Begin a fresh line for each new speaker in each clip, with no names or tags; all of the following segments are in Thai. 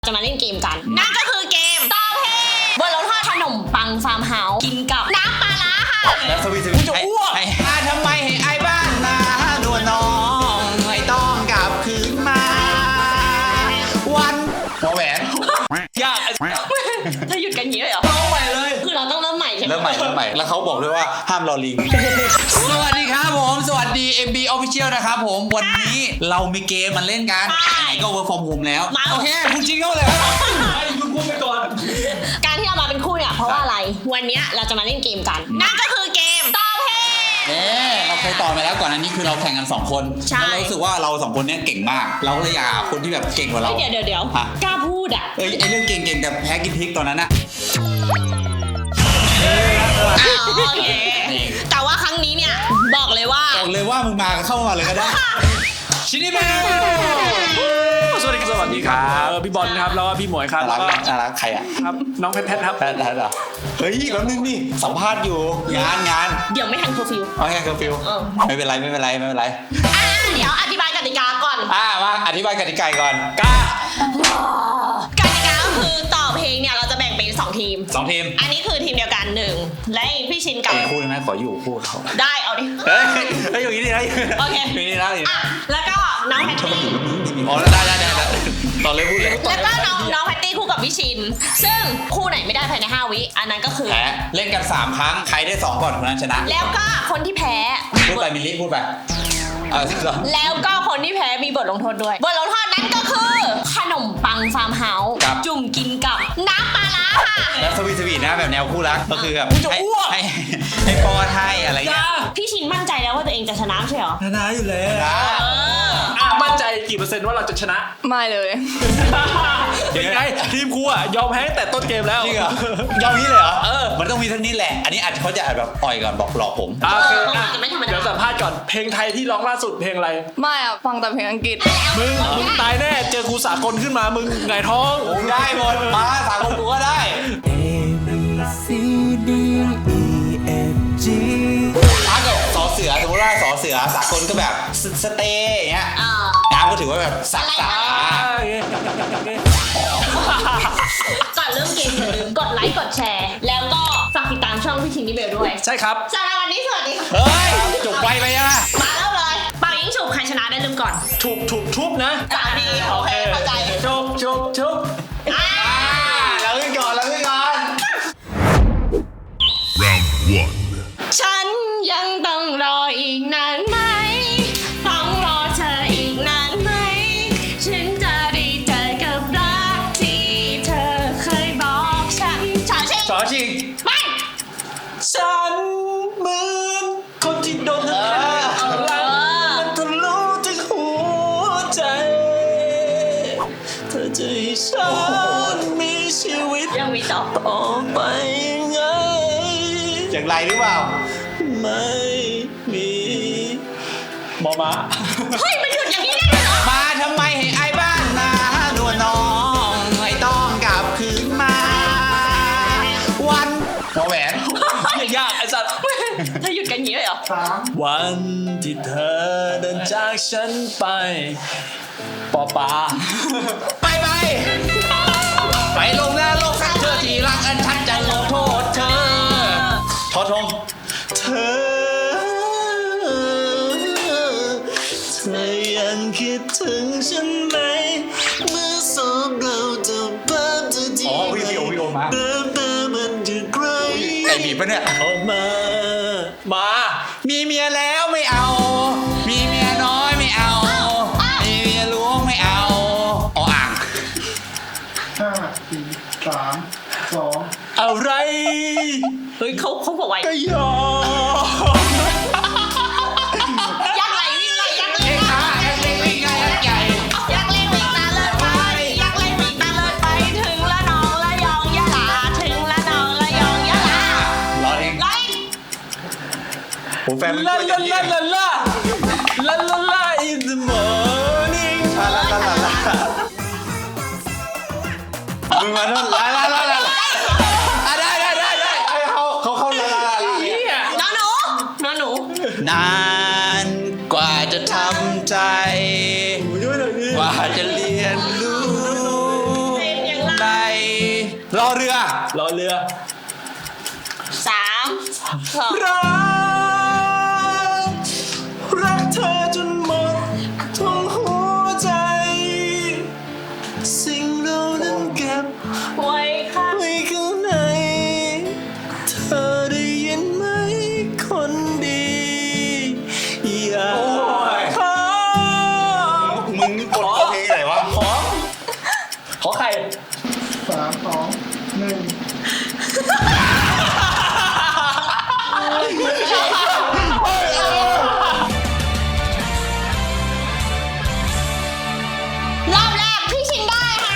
จะมาเล่นเกมกันนั่นก็คือเกมตอบเพลงบนรถทอดขนมปังฟาร์มเฮาส์กินกับน้ำปลาร้าค่ะ
แล้วสวีทจะอ้วกทำไมให้ไอ้บ้านนาดวนน้องไม่ต้องกลับคืนมาวันหัวแหวนยาก
ถ้าหยุดกันอย่างนี้เลยเหรอ
ต้องใหม่เลย
คือเราต้องเริ่มใหม่ใช่ไหม
เริ่มใหม่แล้วเขาบอกด้วยว่าห้ามรอลิงสวัสดีครับผมสวัสดี MB Official นะครับผมวันนี้เรามีเกมมาเล่นกันก็ Work from Home แล้วโอเคคุณจริงเข้าเลยคุณพูดไปก่อน
การที่เรามาเป็นคู่เนี่ยเพราะว่าอะไรวันนี้เราจะมาเล่นเกมกันนั่นก็คือเกมตอบเพลง
เราเคยตอบไปแล้วก่อนอันนี้คือเราแข่งกัน2คนแล้วเรารู้สึกว่าเรา2คนนี้เก่งมากเราเลยอยากคนที่แบบเก่งกว่าเรา
เดี๋ยวกล้าพูดอ่ะ
ไอเรื่องเก่งๆแต่แพ้กินพริกตอนนั้นอะ
โอเคแต่ว่าครั้งนี้เนี่ยบอกเลยว่า
มึงมาเข้ามาเลยก็ได้ชินิเบ้
สวัสดีครับพี่บอลครับแล้วก็พี่หมวยครับแล้วก็
ใครอ่ะ
ครับน้องแพทครับ
แพทเหรอเฮ้ยแป๊บนึงนี่สัมภาษณ์อยู่งาน
เดี๋ยวไม่ทันเคอร์ฟิว
โอเคเคอร์ฟิวไม่เป็นไร
เดี๋ยวอธิบายกติกาก่อน
มาอธิบายกติกาก่อน
กติกาก็คือต่อเพลงเนี่ยเราจะแบ่งเป็น2ทีมอันนี้คือทีมเดียวกัน1และพี่ชินกับ
คู่นะขออยู่คู่เขา
ได้เอาดิ
เฮ้ยอยู่นี่ได้
โอเค
อยู่นี่นะ
แล้วก็น้องแพตตี้
อ๋อได้ต่อเลยพูดเลย
แล้วก็น้องแพตตี้คู่กับพี่ชินซึ่งคู่ไหนไม่ได้ภายใน5 วิอันนั้นก็คือ
แพ้เล่นกัน3 ครั้งใครได้2ก่อนคนนั้นชนะ
แล้วก็คนที่แพ้
พูดไปมิลลี่พูดไป
แล้วก็คนที่แพ้มีบทลงโทษด้วยบทลงโทษนั้นก็คือขนมปังฟาร์มเฮาส์จุ่มกินกับน้ำปลาร้าค่ะ
แล้วสวีทนะแบบแนวคู่รักก็คือแบบให้ป้อนให้อะไรเงี้ย
พี่ชินมั่นใจแล้วว่าตัวเองจะชนะใช่เหรอ
ชนะอยู่แล้ว
มั่นใจกี่เปอร์เซ็นต์ว่าเราจะชนะ
ไม่เลย
ยังไงทีมครูอ่ะยอมแพ้แต่ต้นเกมแล้ว
จริงเหรอยอมนี้เลยเหรอมันต้องมีทั้งนี้แหละอันนี้อาจจะเขาจะแบบอ่อยก่อนบอกหลอกผม
เดี๋ยวสัมภาษณ์ก่อนเพลงไทยที่ร้องล่าสุดเพลงอะไร
ไม่อ่ะฟังแต่เพลงอังกฤษ
มึงตายแน่เจอครูสากลขึ้นมามึงไงท้อง
ได้หมดมาสากลกูก็ได้ A B C D E F G ถ้าเกิดสอเสือสมมติว่าสอเสือสากลก็แบบสเตย์อย่างเงี้ยน้ำก็ถือว่าแบบสักษา
ก่อนเริ่มเกมอย่าลืมกดไลค์กดแชร์แล้วก็ฝากติดตามช่องพี่ชินนี่เบลด้วย
ใช่ครับ
สำหรับวันนี้สวัสดีค่ะ
เฮ้ยจบไปยัง
มาเริ่มเลยเป่ายิงฉุบใครชนะได้ลืมก่อน
ชุบนะ
3 ทีโอเคเข้าใจ
ชุบ
เราขึ้นก่อน
Round 1
ฉันยังต้องรออีกนานไหมต้องรอเธออีกนานไหมฉันจะได้เจอกับรักที่เธอเคยบอกฉัน
ชอชิง
ไป
ฉันเหมือนคนที่โดนมันทะลุถึงหัวใจเธอจะให้ฉันมีชีวิต
ยังมีต่อ
ไปไง
อย่างไรหรือเปล่า
ไม่มีมอมา
เฮ้ยมันหยุดอย่างนี้ได้เหรอ
มาทำไมให้ไอ้บ้านนาดวนน้องไม่ต้องกลับคืนมาวันหัวแหวน
ยากไอ้สัตว์
ถ้าหยุดกันอย่างนี้เลยเหรอ
วันที่เธอเดินจากฉันไปปอปา
ไปลงหน้าโลกสักเธอที่รักอันฉันจะลงโทษเธอทอทง
เธอยังคิดถึงฉันไหมเมื่อสองเราจะพบเธอที่
วิวมา
มันจะไกล
ไอ้บีบปะเนี่ย
ออกมา
มีเมียแล้วไม่เอามีเมียน้อยไม่เอามีเมียหลวงไม่เอาอ่าง
5 4 3 2
อะไร
เฮ้ยเขาบอกไว้
ก็ยอม
ยักษ์ไหลวิ่งไหลยักษ์เล่น
วิ่งไงใหญ่
ยักษ์เล่นวิ่งตาเลิศไปยักษ์เล่นวิ่งตาเลิศไปถึงละนองละยองยะลาถึงละนองละยองยะลาร
อเองผมแฟน
ลาin the morning
มึงมาโน่นลาได้เขาลา
หนู
นานกว่าจะทำใจกว่าจะเรียนรู้รอเรือ
รอเรือ
3 2
รักเธอจนหมดทั้งหัวใจ สิ่งเรานั้นเก็บ
ไว้ค่ะ
ไว้ข้างใน เธอได้ยินไหมคนดีอย่าขอ
มึงกดเข้าเพลงไหนวะ
ขอไข่
3 2 1
รอบแรกพี่ชินได้ค่ะ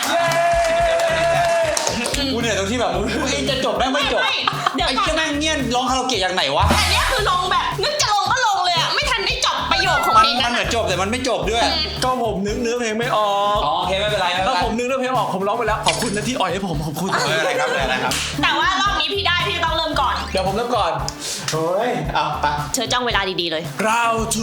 กูเหนื่อยตรงที่แบบเองจะจบแม่งไม่จบ
ไม่เดี๋ยว
ไอ้
ก่อน
เจ้าแม่งเงี้ยร้องคาราโอเกะอย่างไหนวะ
อันเนี้ยคือลงแบบนึกจะลงก็ลงเลยอะไม่ทันได้จบประโยคของ
มัน
เพลง
มั
นั้น น
เหมือนจบแต่มันไม่จบด้วย
ก็ผมนึกเนื้อเพลงไม่ออก
อ๋อโอเคไม่เป็นไรไม่เป็น
ถ้า
ไร
ผมนึกเนื้อเพลงออกผมร้องไปแล้วขอบคุณนะที่อ่อยให้ผมขอบคุณ
ไม่เป็นไรครับไม่เป็นไรครับ
แต่ว่ารอบนี้พี่ได้พี่ต้องเริ่มก่อน
เดี๋ยวผมเริ่มก่อน
เฮ้ยเอาไป
เธอจ้องเวลาดีๆเลย
Round 2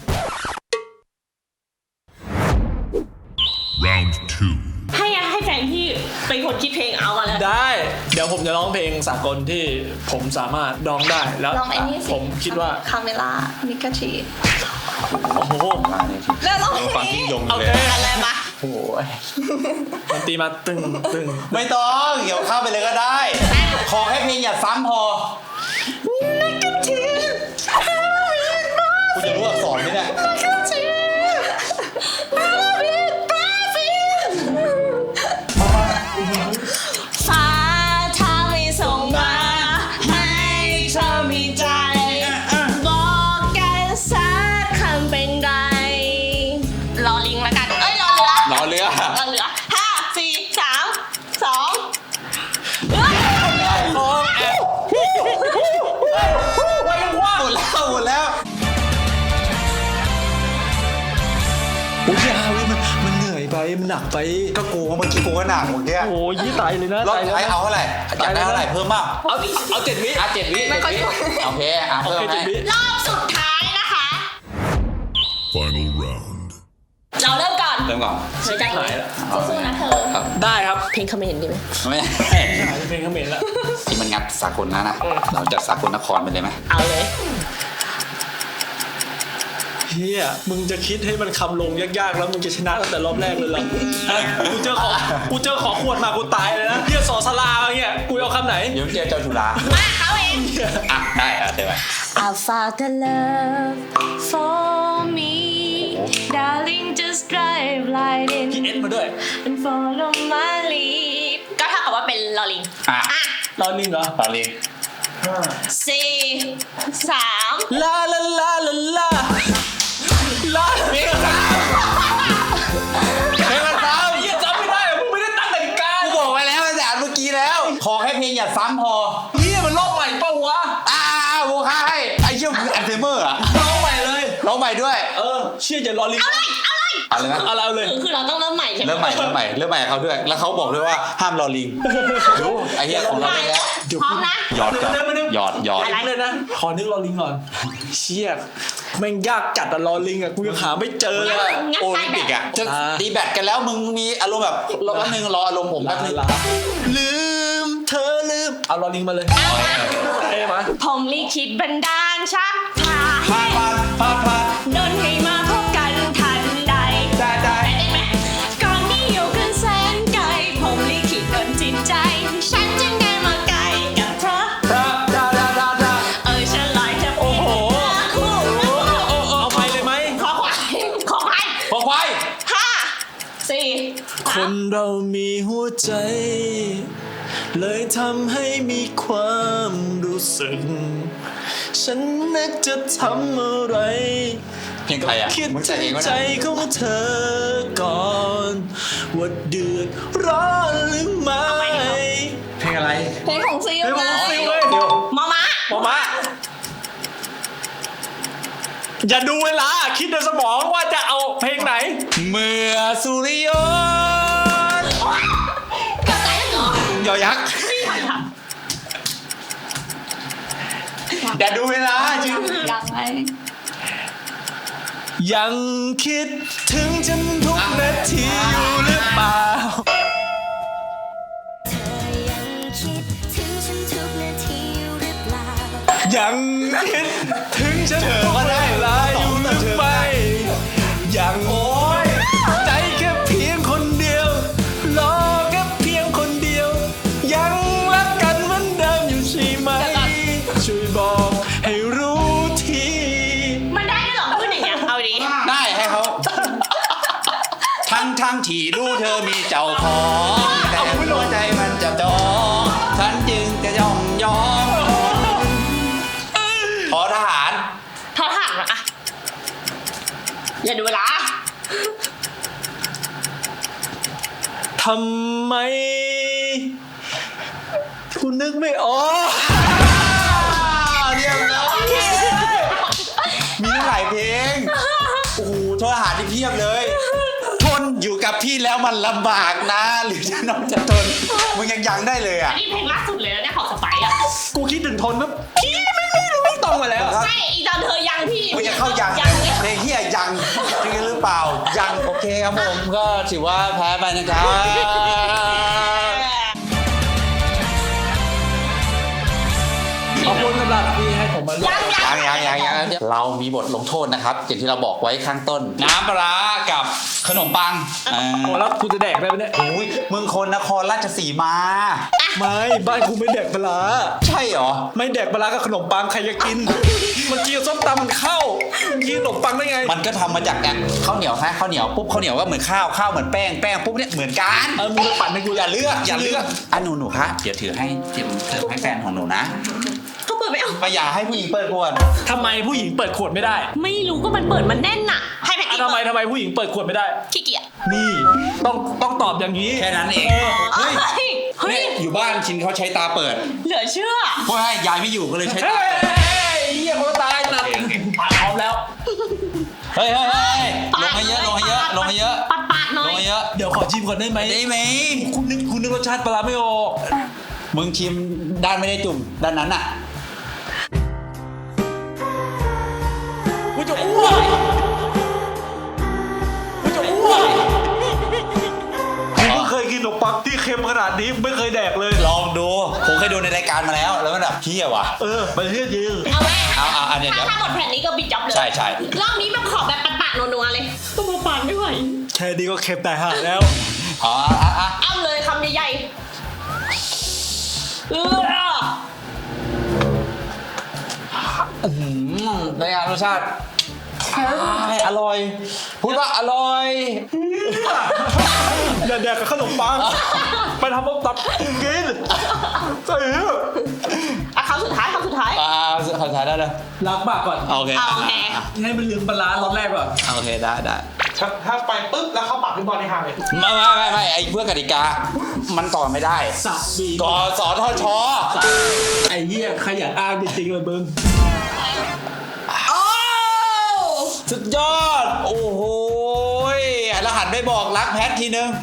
Round 2.
ให้แฟนพี่เป็นคนคิดเพลงเอามาเลย
ได้ เดี๋ยวผมจะร้องเพลงสากลที่ผมสามารถร้องได้แล้ว
ลองไอ้นี่สิ
ผมคิดว่า
คาเมล่ามิกาชี
โอ้โห
แล้วลอง
ฟังยิ่งยง
โอ
เล
เค
ย
อะไรมา
โอ้ยมันตรีมาตึงตึง
ไม่ต้องเดี๋ยวเข้าไปเลยก็ได้ ขอให้เพลงอย่าซ้ำพอกูจะรู้อักษรไหมเนี่ย
ฟ้าถ้าไม่ส่งมาให้เธอมีใจ บอกกันสักคำเป็นไรรอลิงแล้วกัน เอ้ยรอเรือ
รอเรือ
รอเรือ5 4 3 2
ร้องแอบไว้ยังว่า
หมดแล้ว
โอ้ยยาเว้ยมันเหนื่อยไปมันหนักไป
ก็กูเมื่อกี้กูก็หนักเมื่อกี้
โอ้ยยี่ตายเลยนะ
รอบ
ตายเลย
ท้าย
นะ
เอาเท่าไหร่อยากได้เท่าไหร่เพิ่มมาก
เอา7 วิ
7 วิโอเค
โอ
เพิ่ม
เค
ให้
7 วิ
รอบสุดท้ายนะคะ
Final round.
เราเริ่มก่อน
เริ่มก่อน
เธอใจเย็นสู้ๆนะเธอ
ครับ
ได้ครับ
เพลงคอมเมนต์ดีไหม
ไม่
หายเพลงเขมรแล้ว
ที่มันงัดสากลนะเราจัดสากลนครไปเลยไหม
เอาเลย
เฮียมึงจะคิดให้มันคำลงยากๆแล้วมึงจะชนะตั้งแต่รอบแรกเลยเหรอกูเจอขอขวดมากูตายเลยนะเฮียสอสลาอะไรเงี้ยกูเอาคำไหน
เดี๋ยวเจอเจ้าจุฬา
มาเขาเอง
อ่ะได้เดี๋ยวไป
I found the love for me darling just drive right in
พี่เอ็ดมาด้วย
and follow my lead ก็เท่ากับว่าเป็นลอลิง
อ่ะ
รอลิงเหรอ
ตอนนี้
4 3
ลาลาลาลาลาลา
เพลงสามเพลงสาม
เฮียจำไม่ได้เหรอมึงไม่ได้ตั้งนาฬิกา
กูบอกไว้แล้วตั้งแต่อันเมื่อกี้แล้ว ขอให้เพลงอย่าซ้ำพอ
เฮียมันรอบใหม่เปล่าวะ
โวค่าให้ไอ้เชี่ยคืออัลไซเมอร์อะ
ร้องใหม่เลย
ร้องใหม่ด้วย
เชื่ออย่ารอลิง
เอาเลย
เอาเลยนะ
เอาเลย
คือเราต้องเริ่มใหม่ใช่ไหม
เริ่มใหม่กับเขาด้วย แล้วเขาบอกด้วยว่าห้ามรอลิงดูไอ้เหี้ยของเราได้แล้ว
พร้อมนะ
หยอดหยอด
อะไรเลยนะ ขอนึกรอลิงก่อน เชี่ยแม่งยากจัดอะรอลิงอะกูยังหาไม่เจอเลยอะ
โอลิมปิกอะจะตีแบตกันแล้วมึงมีอารมณ์แบบรอแป๊บนึงรออารมณ์ผมแป๊บนึง
ลืมเธอลืม เอารอลิงมาเลยเอ้มา
ผมลิขิตบันดาลชักพาให้
พาด
ดนให้มาพบกันทันใด
ได้
ได้ไหมก่อนนี้อยู่กันแสนไกลผมลิขิตดนจิตใจ ฉันจึงได้มาไกลกับเธอ ฉันลอยจะเป็นคู่
เอาไปเลยไหม
ขอควาย
ขอควาย
5 4
คนเรามีหัวใจ เลยทำให้มีความรู้สึก ฉันนึกจะทำอะไร
เพลงใครอะ
คิด
มึงแต่
ถึ
งเอง
ง
วะ
ใจ
เนี่ย
ของเธอก่อน ว่าเดือดร้อนหรือไม่
เพลงอะไร
เพลงของซิล
เฮ้ยผม
ไง
ซิลเว้ยเดี๋ยว
มอมะ
มาอย่าดูเวลาคิดในสมองว่าจะเอาเพลงไหน
เมื่อสุริยนต์
กระจายเหรอย
อยักษ์อย่าดูเวลาจริง
ยังไง
ยังคิดถึงฉันทุกนาทีอยู่หรือเปล่า
เ
ยังคิดถึงฉันก็ได้ลายอยู่หรือไม่ยังโอ้ยใจแค่เพียงคนเดียวรอแค่เพียงคนเดียวยังรักกันเหมือนเดิมอยู่ใช่ไหมช่วยบอกให้รู้ที
มันได้ด้วยเหรอพูดอย่างเงี้ยเอาดิ
ได้ให้เขาทั้งที่รู้เธอมีเจ้าของแต่หัวใจมันจับจองฉันจึงจะยอมขอทหาร
ทอดห่างอะอย่าดูเวลา
ทำไมคุณนึกไม่ออก
เรียบร้อยมีตั้งหลายเพลงโอ้โหโทษทหารที่เพียบเลยทนอยู่กับพี่แล้วมันลำบากนะหรือจะน้องจะทนมึงยังได้เลยอ่ะ
นี่เพลงล่าสุดเลยนะเนี่ยของสไปซ์อะ
กูคิดถึงทนนะพี่ไม่รู้ไม่ตรงมาแล้ว
ใช่อีตอนเธอยังพี่
มึงจะเข้ายัง
ยังเลย
เพลงเฮียยังจริงหรือเปล่ายังโอเคครับผมก็ถือว่าแพ้ไปนะครับ
ขอบคุณสำหรับที่ให้ผมมาร่วม
ยังเรามีบทลงโทษนะครับอย่างที่เราบอกไว้ข้างต้น น้ำปลาร้ากับขนมปัง
โอ้แล้วกูจะแดกได้ไหมเนี่ย
โอ้ยมึงคนนครราชสีมา
ไม่บ้านกูไม่แดกปลาร้า
ใช่เหรอ
ไม่แดกปลาร้ากับขนมปังใครจะกิน มันกินกับส้มตำมันเข้ากินขนมปังได้ไง
มันก็ทำมาจากเนี่ยข้าวเหนียวฮะข้าวเหนียวปุ๊บข้าวเหนียวก็เหมือนข้าวเหมือนแป้งปุ๊บเนี่ยเหมือนกัน
มึงไปปั่นให้กู
อย่าเลือกอ่ะหนูคะเดี๋ยวถือให้เสิร์ฟให้แฟนของหนูนะ
ก็เปิดไม่เอา
ไม่อยากให้ผู้หญิงเปิดก่อน
ทำไมผู้หญิงเปิดขวดไม่ได้
ไม่รู้ก็มันเปิดมันแน่นอะให้แพท
อ่ะ
ตี้
ทำไมผู้หญิงเปิดขวดไม่ได้
ขี้เกียจ
นี่ต้องตอบอย่างนี้
แค่นั้นเอง
เฮ้ยเฮ้
เนี่ย ยอยู่บ้านชินเขาใช้ตาเปิด
เหลือเชื่อ
เพราะว่ายายไม่อยู่ก็เลยใช้
เฮ้
ตาย เปิด
เหี้ยคนตายนะพร้อมแล้ว
เฮ้ยลงให้เยอะลงให้เยอะ
ปัดหน่
ล
อย
งให้เยอะ
เดี๋ยวขอชิมก่อนได้ไหม
ได้ไหม
คุณนึกรสชาติปลาร้าไม่ออก
มึงชิมด้านไม่ได้จุ่มด้านนั้นอ่ะ
กูจะอ้วกกูจะอ้วกกูเพิ่งเคยกินขนมปังที่เค็มขนาดนี้ไม่เคยแดกเลย
ลองดูผมเคยดูในรายการมาแล้วมันแบบเที่ยวว่ะ
มันเฮี้ยจริง
เอาไหม
เอาเดี๋ยว
ถ้าหมดแผ่นนี้ก็บิดจ็อบเลย
ใช่
รอบนี้แบบขอแบบปัดๆนัวๆเลยตัวปัดไม่ไหว
แค่นี้ก็เค็มแต่ห่าแล้ว
อ๋อ
เอาเลยคำใหญ่ๆ
ในงานรสชาติอร่อยพูดว่าอร่อย
อย่าแดกกับขนมปังไปทำต้มตับกินใส่
อ่ะคำสุดท้าย
ขอถ่ายได้เลย
ล้างปากก่อน
โอเค
เอาโอเค
ให้มันลืมปลาร้ารสแรกก่อน
โอเคได้
ถ้าไปปุ๊บแล้วเข้าปากขึ้นบอลในหางเลย
ไม่ไอ้เพื่อกติกามันต่อไม่ได้
สับบี
กสทช
ไอ้เหี้ยขยันอ้างจริงๆเลยมึง
โอ้
สุดยอดโอ้โหแล้วหันไปบอกรักแพททีนึง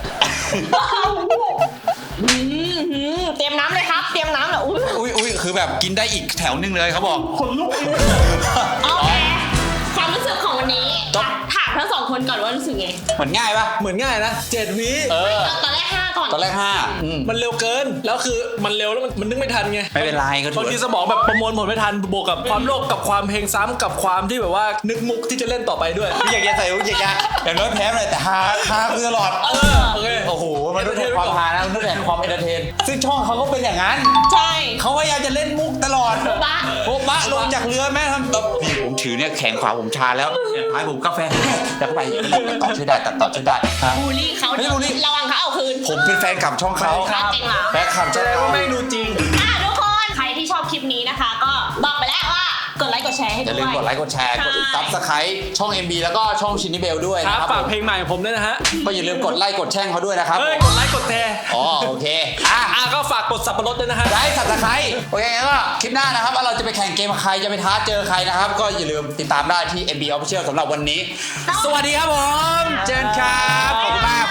เตรียมน้ำเลยครับเตรียมน้ำเหรอ
อุ้ยคือแบบกินได้อีกแถวนึงเลยเขาบอก
คนลุกเอง
โอเคความรู้สึกของวันนี้ถามทั้งสองคนก่อนว่ารู้สึกไง
เหมือนง่ายปะ
เหมือนง่ายนะ7 วิ
ตอนแรก5ก่อน
ตอนแรก5
มันเร็วเกินแล้วคือมันเร็วแล้วมันนึกไม่ทันไง
ไม่เป็นไรก็ถื
บางทีสมองแบบประมวลผลไม่ทันบวกกับความโลภกับความเพลงซ้ำกับความที่แบบว่านึกมุกที่จะเล่นต่อไปด้วย
อยากจะใส่อย่างน้อยแพ้เลยแต่ฮาคือตลอด
โอเค
โอ้โหมันนึกถึงความฮานะมันนึกถึงความเอนเตอร์เทนซึ่งช่องเขาก็เป็นอย่างนั้น
ใช่
เขาพยายามจะเล่นมุกตลอด
บ้า
โบ๊ะบะลงจากเรือแม่ทำแบบพี่ผมถือเนี่ยแขนขวาผมชาแล้วท้ายผมกาแฟแล้วก็ไปตัดต่อช่วยได้ฮะ
บูลลี่เขา
ไม่ได้บูลลี่
ระวังเขาเอาคืน
ผมเป็นแฟนกับช่องเขา
จริงเหรอ
แฟนคลับ
แส
ช่อง
ดง
เขา
ว่าแม่งดูจริง
ทุกคนใครที่ชอบคลิปนี้นะคะ ก็บอกไปแล้วว่ากดไลค์กดแชร์ให้
อ
ด้
ย่าลื
ว
ม
ย
กดไลค์กดแชร์กดซับสไครต์ช่อง MB แล้วก็ช่องชินนิเบลด้วย
ค
นะ
รับ
ครับ
ฝากเพลงใหม่ของผมด้วยนะฮะ
ก็อย่าลืมกดไลค์กดแช่งเขาด้วยนะครับ
เฮ้ยกดไลค์กดแชร์
อ๋อโอเค
ก็ฝากกดสับปะรดด้วยนะฮะ
ได้สับสไครต์โอเคงั้นก็คลิปหน้านะครับว่าเราจะไปแข่งเกมกับใครจะไปท้าเจอใครนะครับก็อย่าลืมติดตามได้ที่ MB Official สำหรับวันนี้ สวัสดีครับผมเจนครับขอบคุณมาก